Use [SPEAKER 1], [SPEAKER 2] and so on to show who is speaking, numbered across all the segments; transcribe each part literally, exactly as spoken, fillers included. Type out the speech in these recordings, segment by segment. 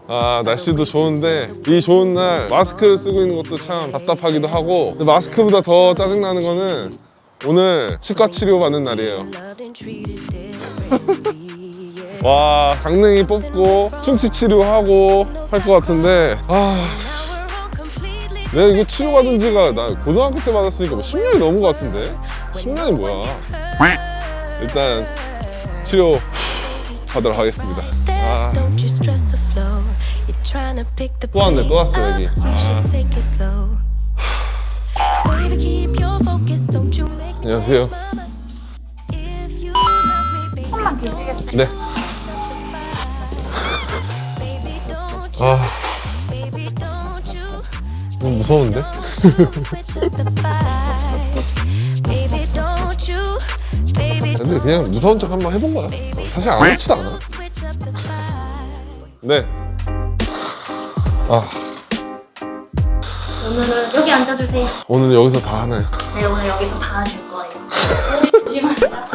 [SPEAKER 1] 아, 날씨도 좋은데 이 좋은 날 마스크를 쓰고 있는 것도 참 답답하기도 하고, 근데 마스크보다 더 짜증나는 거는 오늘 치과 치료 받는 날이에요. 와, 강냉이 뽑고 충치 치료하고 할 것 같은데, 아, 내가 이거 치료받은 지가 나 고등학교 때 받았으니까 뭐 십 년이 넘은 것 같은데. 십 년이 뭐야. 일단 치료 받으러 가겠습니다. 아, 또 왔네, 또 왔어 여기. 아. 안녕하세요.
[SPEAKER 2] 조금만 계시겠어요?
[SPEAKER 1] 네. 아, 좀 무서운데? 근데 그냥 무서운 척 한번 해본 거야. 사실 아무렇지도 않아. 네. 아,
[SPEAKER 2] 오늘은 여기 앉아주세요.
[SPEAKER 1] 오늘 여기서 다 하나요?
[SPEAKER 2] 네, 오늘 여기서 다 하실 거예요. 조심하세요.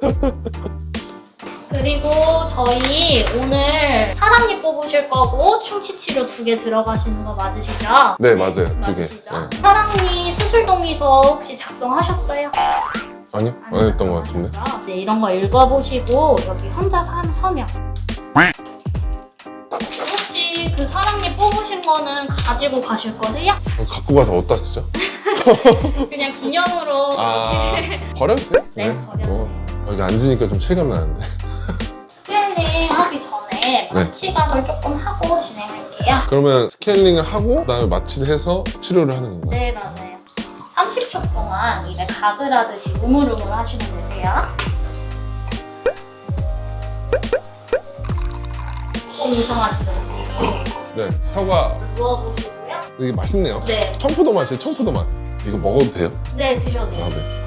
[SPEAKER 2] 그리고 저희 오늘 사랑니 뽑으실 거고 충치 치료 두 개 들어가시는 거 맞으시죠?
[SPEAKER 1] 네, 맞아요. 두 개.
[SPEAKER 2] 맞으시죠?
[SPEAKER 1] 네.
[SPEAKER 2] 사랑니 수술 동의서 혹시 작성하셨어요?
[SPEAKER 1] 아니요, 안 했던 것 같은데.
[SPEAKER 2] 네, 이런 거 읽어보시고 여기 혼자 산 서명. 혹시 그 사랑니 뽑으신 거는 가지고 가실 거세요?
[SPEAKER 1] 갖고 가서 어디다 쓰죠?
[SPEAKER 2] 그냥 기념으로.
[SPEAKER 1] 아, 버렸어요?
[SPEAKER 2] 네, 버렸어요.
[SPEAKER 1] 어, 여기 앉으니까 좀 체감 나는데.
[SPEAKER 2] 스케일링 하기 전에
[SPEAKER 1] 네.
[SPEAKER 2] 마취각을 조금 하고 진행할게요.
[SPEAKER 1] 그러면 스케일링을 하고 그다음에 마취를 해서 치료를 하는 건가요?
[SPEAKER 2] 네, 맞아요. 삼십 초 동안 입에 가글 하듯이 우물우물 하시면 되세요. 조금 이상하시죠?
[SPEAKER 1] 네, 혀가
[SPEAKER 2] 누워보시고요.
[SPEAKER 1] 이게 맛있네요.
[SPEAKER 2] 네,
[SPEAKER 1] 청포도 맛이에요, 청포도 맛. 이거 먹어도 돼요?
[SPEAKER 2] 네, 드셔도 돼요.
[SPEAKER 1] 아, 네.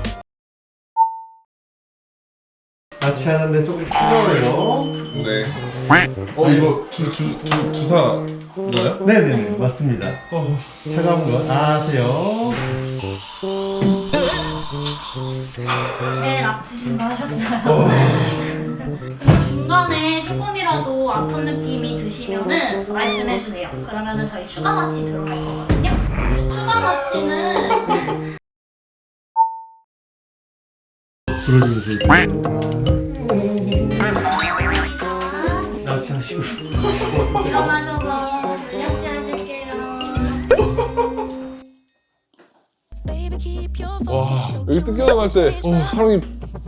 [SPEAKER 3] 마취하는데 조금 뜨거워요.
[SPEAKER 1] 네. 어, 이거 주, 주, 주, 주사 나요?
[SPEAKER 3] 네네 맞습니다.
[SPEAKER 1] 어.
[SPEAKER 3] 차가운 거 아세요?
[SPEAKER 2] 제일 아프신 거 하셨어요. 근데 중간에 조금이라도 아픈 느낌이 드시면은 말씀해주세요. 그러면은 저희 추가 마취 들어갈 거거든요. 추가 마취는
[SPEAKER 3] 불어주면서 마취하시고
[SPEAKER 2] 일어나셔서 양치하실게요.
[SPEAKER 1] 와, 여기 뜯겨나갈 때, 어, 사람이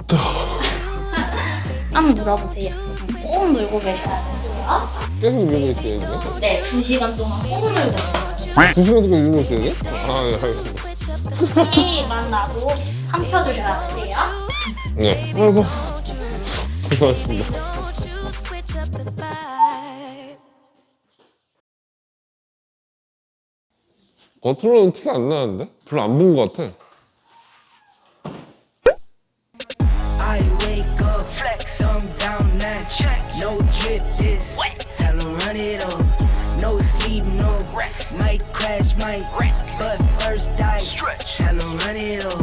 [SPEAKER 2] 한번 눌러보세요. 꾹 눌고 계셔야 돼요.
[SPEAKER 1] 계속 누르고 있어요, 이게?
[SPEAKER 2] 네, 두 시간 동안 꾹 눌고 계셔야
[SPEAKER 1] 두 시간 동안 누르고 있어요, 이게? 아, 네, 알겠습니다.
[SPEAKER 2] 돼요. 이만 나도 삼켜주셔야 돼요.
[SPEAKER 1] 네. 아이고, 고생하셨습니다. 겉으로는 티가 안 나는데? 별로 안 부은 것 같아.
[SPEAKER 4] I wake up, flex, I'm down that check. No drip, this